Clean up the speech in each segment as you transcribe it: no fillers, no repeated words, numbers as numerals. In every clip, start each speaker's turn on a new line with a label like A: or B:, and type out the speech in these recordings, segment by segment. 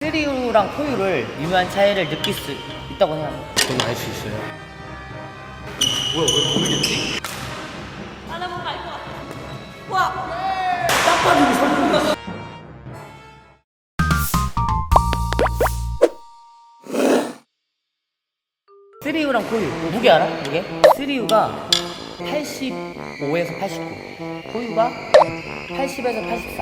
A: 3U랑 4U를 미묘한 차이를 느낄 수 있다고 생각해요.
B: 저는 알 수 있어요.
C: 뭐야 왜 모르겠지?
D: 알아보면 알 것 같아. 와!
C: 딱 빠지고 설명했어.
A: 3U랑 4U 무게 알아? 무게? 3U가 85에서 89, 4U가 80에서 84.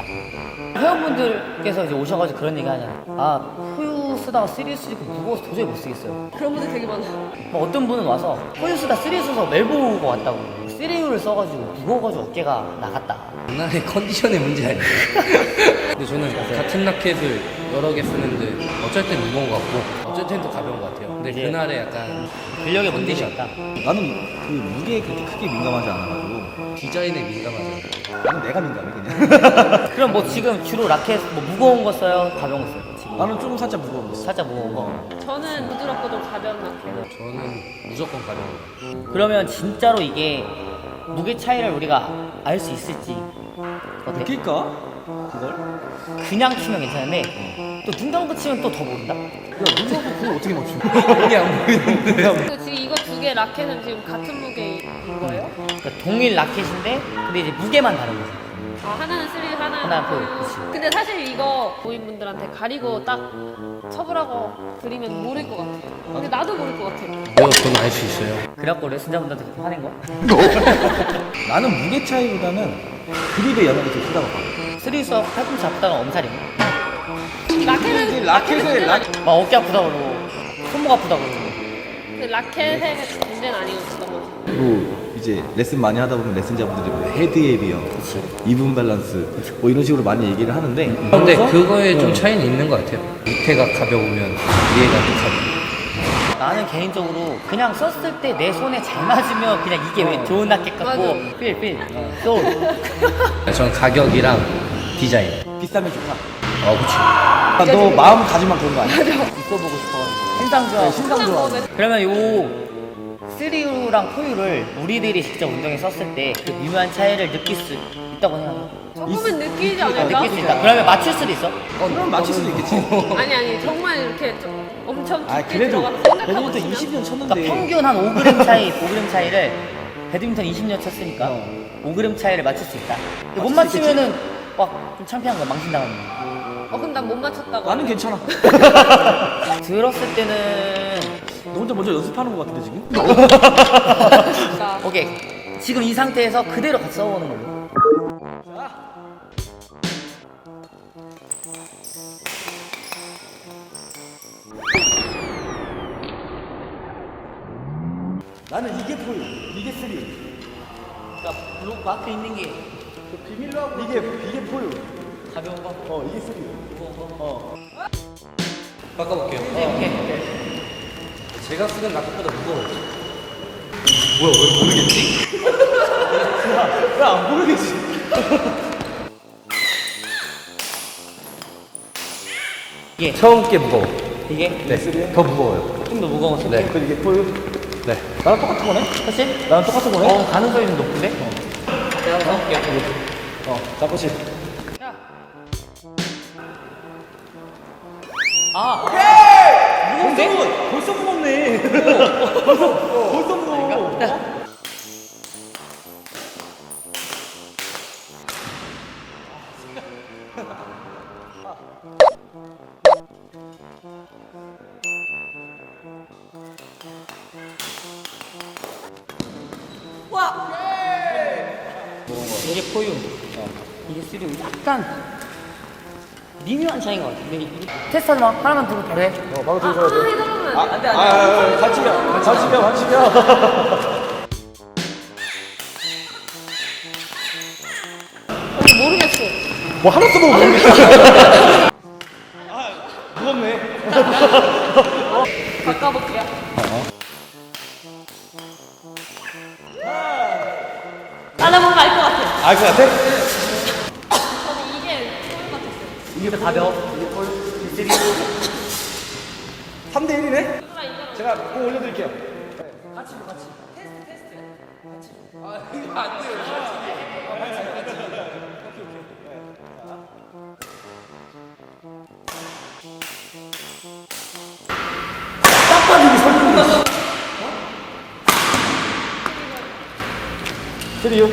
A: 회원분들께서 이제 오셔가지고 그런 얘기 하잖아. 아, 4U 쓰다가 3U 쓰니까 무거워서 도저히 못 쓰겠어요.
D: 그런 분들 되게 많아.
A: 뭐 어떤 분은 와서 4U 쓰다 3U 써서 멜보고 왔다고. 3U를 써가지고 무거워가지고 어깨가 나갔다.
B: 장난의 컨디션의 문제 아니에요. 근데 저는 같은 라켓을 여러 개 쓰는데 어쩔 땐 무거운 것 같고 어쩔 땐 또 가벼운 것 같아요. 근데
A: 이제
B: 그날에 약간
A: 근력의 문제였다.
C: 나는 그 무게에 그렇게 크게 민감하지 않아가지고
B: 디자인에 민감하잖아요.
C: 나는 내가 민감해 그냥.
A: 그럼 뭐 지금 주로 라켓 뭐 무거운 거 써요? 가벼운 거 써요? 지금
C: 나는 조금 살짝 무거운 거 있어.
A: 살짝 무거운 거.
D: 저는 부드럽고 좀 가벼운 라켓을.
B: 저는 무조건 가벼운 거.
A: 그러면 진짜로 이게 무게 차이를 우리가 알 수 있을지 어때?
C: 느낄까? 그걸?
A: 그냥 치면 괜찮은데 또 눈 감고 치면 또 더 모른다?
C: 야 문서도 그걸 어떻게 맞춰?
B: 이게 안 보이는데.
D: 근데 지금 이거 두 개 라켓은 지금 같은 무게인 거예요?
A: 그러니까 동일 라켓인데 근데 이제 무게만 다른 거지.
D: 아, 하나는 3, 하나는
A: 하나, 4,
D: 4.
A: 그치.
D: 근데 사실 이거 고인분들한테 가리고 딱 첩으라고 드리면 모를 것 같아요. 근데 나도 모를 것 같아요.
B: 왜요? 저는 알 수 있어요.
A: 그래갖고 레슨자분들한테 그렇게 화낸 거야?
C: 나는 무게 차이보다는 그립의 영향이 더 크다고 봐.
A: 3에서 팔꿈치 아프다가 엄살이야.
D: 라켓은
A: 막 어깨 아프다 그러고 손목 아프다 그러고.
D: 근데 라켓의 문제는 아니었던 거지.
C: 그리고 이제 레슨 많이 하다 보면 레슨자분들이 뭐 헤드의 비형, 이분 밸런스 뭐 이런 식으로 많이 얘기를 하는데
B: 근데
C: 그래서
B: 그거에 좀 차이는 있는 것 같아요. 밑에가 가벼우면 위에가 또 가벼워.
A: 나는 개인적으로 그냥 썼을 때 내 손에 잘 맞으면 그냥 이게 왜 좋은 라켓 같고
D: 맞아.
A: 필 또
B: 저는 가격이랑 디자인.
C: 비싸면 좋다.
B: 그치.
C: 아, 너 마음가짐만 그런 거 아니야?
A: 있어보고 싶어가지고 신상 좋아.
C: 신상 좋아.
A: 그러면 요 3U랑 4U를 우리들이 직접 운동에 썼을 때 그 미묘한 차이를 느낄 수 있다고 생각해요.
D: 조금은 느끼지 않을까?
A: 느낄 수 있다. 그러면 맞출 수도 있어.
C: 그럼 맞출 수도 있겠지.
D: 아니 정말 이렇게 좀 엄청
C: 아
D: 깊게
C: 그래도
D: 들어가서 생각하고
C: 배드민턴
D: 치면
C: 20년
A: 그러니까
C: 쳤는데
A: 평균 한 5g 차이, 5g 차이를 배드민턴 20년 쳤으니까 5g 차이를 맞출 수 있다. 근데 못
C: 맞출 수
A: 맞추면은 막 좀 창피한 거야. 망신당하는 거.
D: 그럼 난 못 맞췄다고.
C: 나는 괜찮아.
A: 들었을 때는
C: 너 혼자 먼저 연습하는 거 같은데 지금?
D: 그러니까
A: 오케이. 지금 이 상태에서 그대로 같이 써보는 걸로.
C: 나는 이게 보여. 이게 쓰리.
A: 그러니까 블록 마크 있는 게
C: 비밀로 하고 이게 보여.
A: 가벼운 거.
C: 이게 쓰리.
B: 바꿔볼게요.
A: 오케이.
B: 제가 쓰는 라켓보다 무거워요.
C: 뭐야 왜 모르겠지? 야안 모르겠지.
A: 이게
B: 처음 게 무거워.
A: 이게
B: 네. 더 무거워요.
A: 좀 더 무거운 거 쓸게.
B: 네.
C: 그 이게 보여.
B: 네.
C: 나랑 똑같은 거네?
A: 그렇지?
C: 나랑 똑같은 거네?
A: 가능성이 좀 높은데? 내가 한번 해볼게요.
C: 자, 그렇지.
A: 무거운데?
C: 벌써 무겁네. 벌써 무거워.
A: 이게 포유. 이게 쓰리고 약간 미묘한 차이인 것 같아. 근데 테스트하지 마. 하나만 들고 바로 해.
C: 바로 들어줘야 돼.
D: 해달라면
A: 안 돼, 안 돼.
C: 반칙이야.
D: 모르겠어.
C: 뭐 하나 써도 모르겠어. 무겁네.
D: 바꿔볼게요. 알아보면 알 것 같아.
C: 알 것 같아?
D: 저는 이게 소름 같았어요.
A: 이게 더 가벼워. 이게 포유. 쓰리.
C: 3대 1이네?
D: 누가 인정?
C: 제가 공 올려드릴게요. 쓰리유.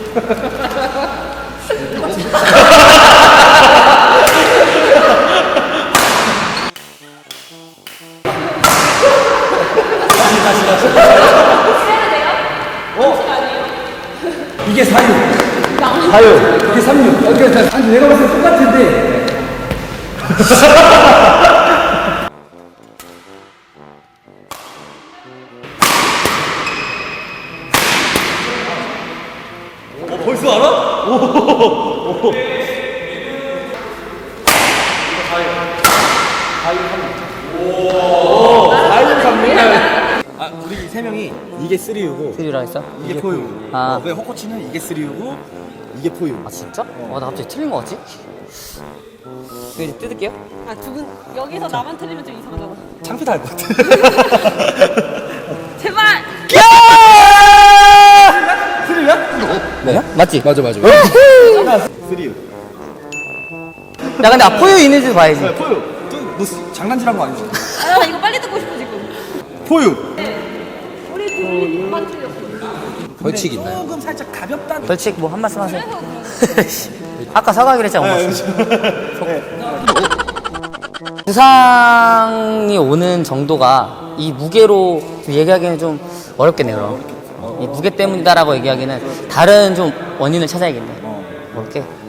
B: 이게 4유.
C: 하유.
B: 이게 3유. 그러니까 아니 내가 봤을 때 똑같은데.
C: 벌써 알아? 아, 우리 세 명이 이게 3U고
A: 3U라 했어?
C: 이게 4U.
A: 아.
C: 왜 호코치는 이게 3U고 이게 4U.
A: 아 진짜? 나 갑자기 틀린 거 같지? 이거 이제 뜯을게요.
D: 아, 두 분 여기서 나만 틀리면 좀 이상하잖아.
C: 창피도 할 것 같아.
D: 제발!
A: 뭐야? 맞지?
B: 맞아 맞아.
C: 3U.
A: 야 근데 포유 있는지 봐야지.
C: 4U. 너 장난질한 거 아니지?
D: 아, 나 이거 빨리 듣고 싶어, 지금.
C: 4U.
D: 우리 둘이 반만 틀렸어.
B: 벌칙 있나요?
C: 조금 살짝 가볍다.
A: 벌칙 뭐 한 말씀 하세요. 아까 사과하기로 했잖아. 엄마. 부상이 오는 정도가 이 무게로 좀 얘기하기는 좀 어렵겠네요. 그럼. 이 무게 때문이다라고 얘기하기는 다른 좀 원인을 찾아야겠네. 뭐 이렇게